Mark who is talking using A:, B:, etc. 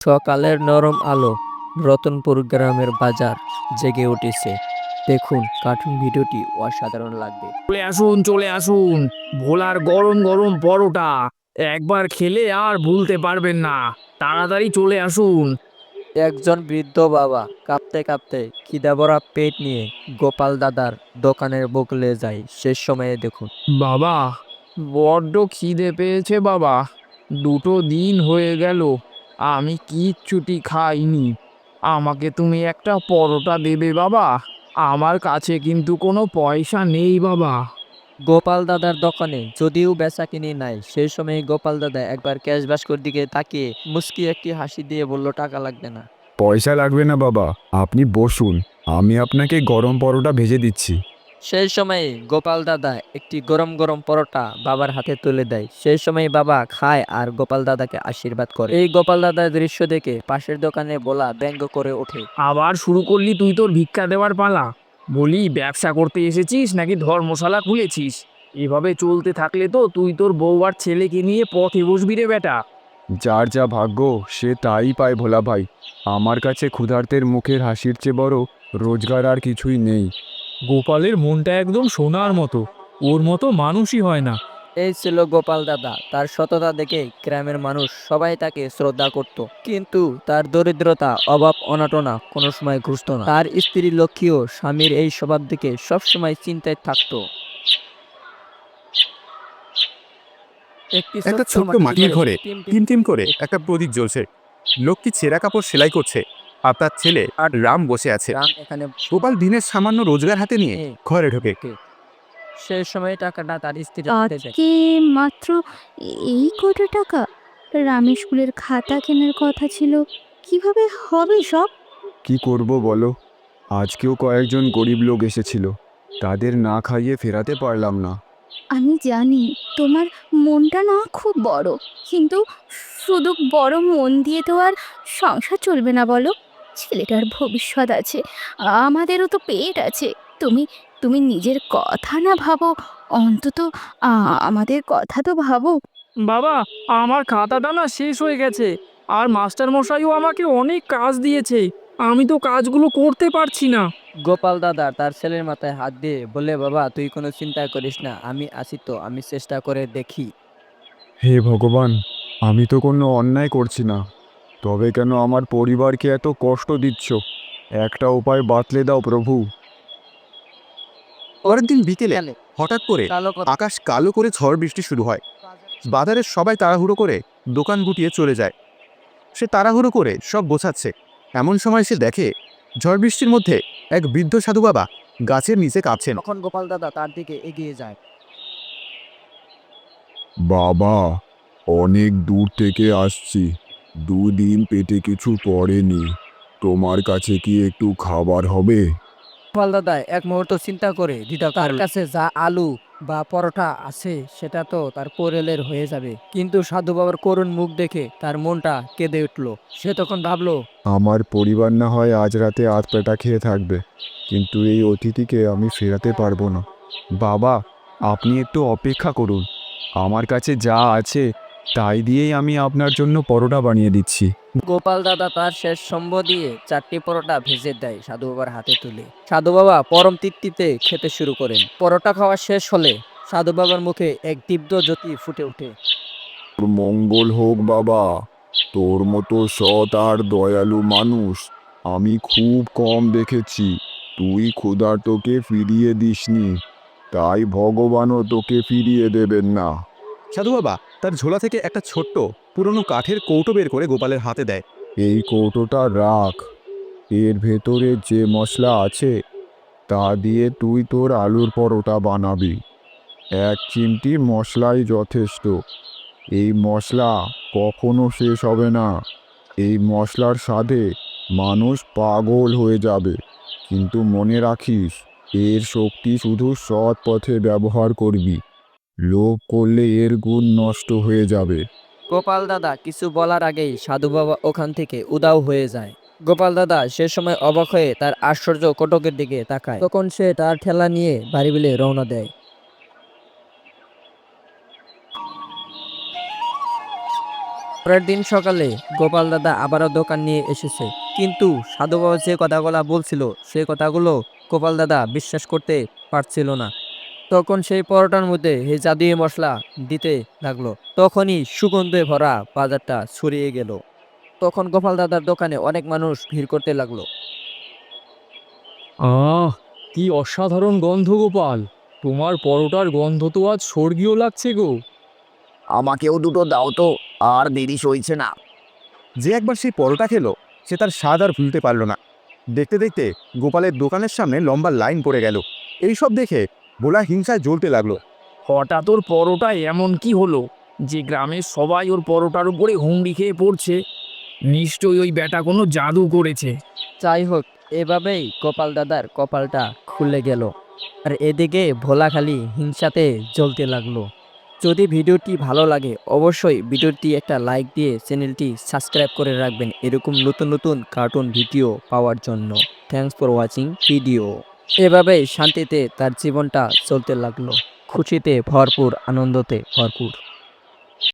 A: সকালের নরম আলো, রতনপুর গ্রামের বাজার জেগে উঠেছে। দেখুন, কার্টুন ভিডিওটি অসাধারণ লাগবে।
B: চলে আসুন, ভোলার গরম গরম পরোটা একবার খেলে আর ভুলতে পারবেন না। তাড়াতাড়ি চলে আসুন।
A: একজন বৃদ্ধ বাবা কাঁপতে কাঁপতে খিদে ভরা পেট নিয়ে গোপাল দাদার দোকানের বগলে যায়। শেষ সময়ে দেখুন।
B: বাবা, বড্ড খিদে পেয়েছে বাবা। 2 দিন হয়ে গেল আমি কিচ্ছুটি খাইনি। আমাকে তুমি একটা পরোটা দেবে বাবা? আমার কাছে কিন্তু কোনো পয়সা নেই বাবা।
A: গোপাল দাদার দোকানে যদিও বেচাকিনি নাই, সেই সময় গোপাল দাদা একবার ক্যাশ বাস্কর দিকে তাকিয়ে মুস্কি একটি হাসি দিয়ে বলল, টাকা লাগবে না।
C: পয়সা লাগবে না বাবা, আপনি বসুন, আমি আপনাকে গরম পরোটা ভেজে দিচ্ছি।
A: সেই সময়ে গোপাল দাদা একটি গরম গরম পরোটা বাবার হাতে তুলে দেয়। সেই সময় বাবা খায় আর গোপাল দাদাকে আশীর্বাদ করে। এই গোপাল দাদার দৃশ্য দেখে পাশের দোকানে বলা ব্যঙ্গ করে ওঠে।
B: আবার শুরু করলি তুই তোর ভিক্ষা দেওয়ার পালা? বলি, ব্যবসা করতে এসেছিস নাকি ধর্মশালা খুলেছিস? এভাবে চলতে থাকলে তো তুই তোর বউ আর ছেলেকে নিয়ে পথে বসবি রে বেটা।
C: যার যা ভাগ্য সে তাই পায় ভোলা ভাই। আমার কাছে ক্ষুধার্তের মুখের হাসির চেয়ে বড় রোজগার আর কিছুই নেই।
D: গোপালের মনটা একদম সোনার মতো, ওর মতো মানুষই হয় না।
A: এই ছিল গোপাল দাদা। তার সততা দেখে গ্রামের মানুষ সবাই তাকে শ্রদ্ধা করত, কিন্তু তার দরিদ্রতা, অভাব, অনাটনা কোনো সময় ঘুচত না। তার স্ত্রী লক্ষ্মীও স্বামীর এই স্বভাব দেখে সবসময় চিন্তায় থাকতো।
E: একটা ছোট্ট মাটির ঘরে টিম টিম করে একটা প্রদীপ জ্বলছে। লোকটি ছেঁড়া কাপড় সেলাই করছে আর তার ছেলে আর রাম বসে আছে।
A: রাম এখানে
E: গোপাল দিনের সামান্য রোজগার হাতে নিয়ে ঘরে ঢোকে।
A: সেই সময় টাকাটা তার স্ত্রী হাতে যায়।
F: আজকে মাত্র এই কত টাকা? রামের স্কুলের খাতা কেনার কথা ছিল, কিভাবে হবে সব?
C: কি করব বলো, আজকেও কয়েকজন গরিব লোক এসেছিল, তাদের না খাইয়ে ফেরাতে পারলাম না।
F: আমি জানি তোমার মনটা না খুব বড়, কিন্তু শুধু বড় মন দিয়ে তো আর সংসার চলবে না বলো। ছেলেটার ভবিষ্যৎ আছে, আমাদেরও তো পেট আছে। তুমি তুমি নিজের কথা না ভাবো, অন্তত আমাদের কথা তো ভাবো।
B: বাবা, আমার খাতাটা না শেষ হয়ে গেছে, আর মাস্টার মশাইও আমাকে অনেক কাজ দিয়েছে। আমি তো কাজগুলো করতে পারছি না।
A: গোপাল দাদা তার ছেলের মাথায় হাত দিয়ে বলে, বাবা তুই কোনো চিন্তা করিস না, আমি আছি তো, আমি চেষ্টা করে দেখি।
C: হে ভগবান, আমি তো কোনো অন্যায় করছি না, তবে কেন আমার পরিবারকে এত কষ্ট দিচ্ছ? একটা উপায় বাতলে দাও প্রভু।
E: পরের দিন বিকেলে হঠাৎ করে আকাশ কালো করে ঝড় বৃষ্টি শুরু হয়। বাজারের সবাই তাড়াহুড়ো করে দোকান গুটিয়ে চলে যায়। সে তাড়াহুড়ো করে সব গোছাচ্ছে। এমন সময় সে দেখে ঝড় বৃষ্টির মধ্যে এক বৃদ্ধ সাধু বাবা গাছের নিচে কাঁপছেন।
A: তখন গোপাল দাদা তার দিকে এগিয়ে যায়।
C: বাবা, অনেক দূর থেকে আসছি, 2 দিন পেটে কিছু পড়েনি, তোমার কাছে কি একটু খাবার হবে?
A: গোপাল দাদা এক মুহূর্ত চিন্তা করে দিদা, তার কাছে যা আলু বা পরোটা আছে সেটা তো তার কোরেলের হয়ে যাবে। কিন্তু সাধু বাবার করুণ মুখ দেখে তার মনটা কেঁদে উঠলো। সে তখন ভাবলো,
C: আমার পরিবার না হয় আজ রাতে আধপেটা খেয়ে থাকবে, কিন্তু এই অতিথিকে আমি ফেরাতে পারবো না। বাবা, আপনি একটু অপেক্ষা করুন, আমার কাছে যা আছে তাই দিয়েই আমি আপনার জন্য পরোটা বানিয়ে দিচ্ছি।
A: গোপাল দাদা তার শেষ সম্বল দিয়ে 4টি পরোটা ভেজে দেয় সাধু বাবার হাতে তুলে। সাধু বাবা পরম তৃপ্তিতে খেতে শুরু করেন। পরোটা খাওয়া শেষ হলে সাধু বাবার মুখে এক দীপ্ত জ্যোতি ফুটে ওঠে।
C: তোর মঙ্গল হোক বাবা, তোর মতো সৎ আর দয়ালু মানুষ আমি খুব কম দেখেছি। তুই ক্ষুধার্তকে ফিরিয়ে দিসনি, তাই ভগবানও তোকে ফিরিয়ে দেবেন না।
E: সাধু বাবা তার ঝোলা থেকে একটা ছোট্ট পুরনো কাঠের কৌটো বের করে গোপালের হাতে দেয়।
C: এই কৌটোটা রাখ, এর ভেতরে যে মশলা আছে তা দিয়ে তুই তোর আলুর পরোটা বানাবি। 1 চিমটি মশলাই যথেষ্ট। এই মশলা কখনো শেষ হবে না। এই মশলার স্বাদে মানুষ পাগল হয়ে যাবে, কিন্তু মনে রাখিস, এর শক্তি শুধু সৎ পথে ব্যবহার করবি। লোভ করলে এর গুণ নষ্ট হয়ে যাবে।
A: গোপাল দাদা কিছু বলার আগেই সাধু বাবা ওখান থেকে উধাও হয়ে যায়। গোপাল দাদা সে সময় অবাক হয়ে তার আশ্চর্য কটকের দিকে তাকায়। তখন সে তার ঠেলা নিয়ে বাড়ি বিলে রওনা দেয়। পরের দিন সকালে গোপাল দাদা আবারও দোকান নিয়ে এসেছে, কিন্তু সাধু বাবা যে কথাগুলো বলছিল সেই কথাগুলো গোপাল দাদা বিশ্বাস করতে পারছিল না। তখন সেই পরোটার মধ্যে এই জাদুই মশলা দিতে লাগলো। তখনই সুগন্ধে ভরা বাজারটা ছড়িয়ে গেল। তখন গোপাল দাদার দোকানে অনেক মানুষ ভিড় করতে লাগলো।
D: কি অসাধারণ গন্ধ গোপাল, তোমার পরোটার গন্ধ তো আজ স্বর্গীয় লাগছে গো।
B: আমাকেও দুটো দাও তো, আর দেরি সইছে না।
E: যে একবার সেই পরোটা খেলো সে তার স্বাদ আর ভুলতে পারল না। দেখতে দেখতে গোপালের দোকানের সামনে লম্বা লাইন পড়ে গেল। এইসব দেখে ভোলা হিংসায় জ্বলতে লাগলো।
B: হঠাৎ ওর পরোটা এমন কি হলো যে গ্রামের সবাই ওর পরোটার উপরে হুমড়ি খেয়ে পড়ছে? নিশ্চয়ই ওই ব্যাটা কোনো জাদু করেছে।
A: যাই হোক, এভাবেই গোপাল দাদার কপালটা খুলে গেল। আর এদিকে ভোলা খালি হিংসাতে জ্বলতে লাগলো। যদি ভিডিওটি ভালো লাগে অবশ্যই ভিডিওটি একটা লাইক দিয়ে চ্যানেলটি সাবস্ক্রাইব করে রাখবেন এরকম নতুন নতুন কার্টুন ভিডিও পাওয়ার জন্য। Thanks for watching video. এভাবেই শান্তিতে তার জীবনটা চলতে লাগলো, খুশিতে ভরপুর, আনন্দতে ভরপুর।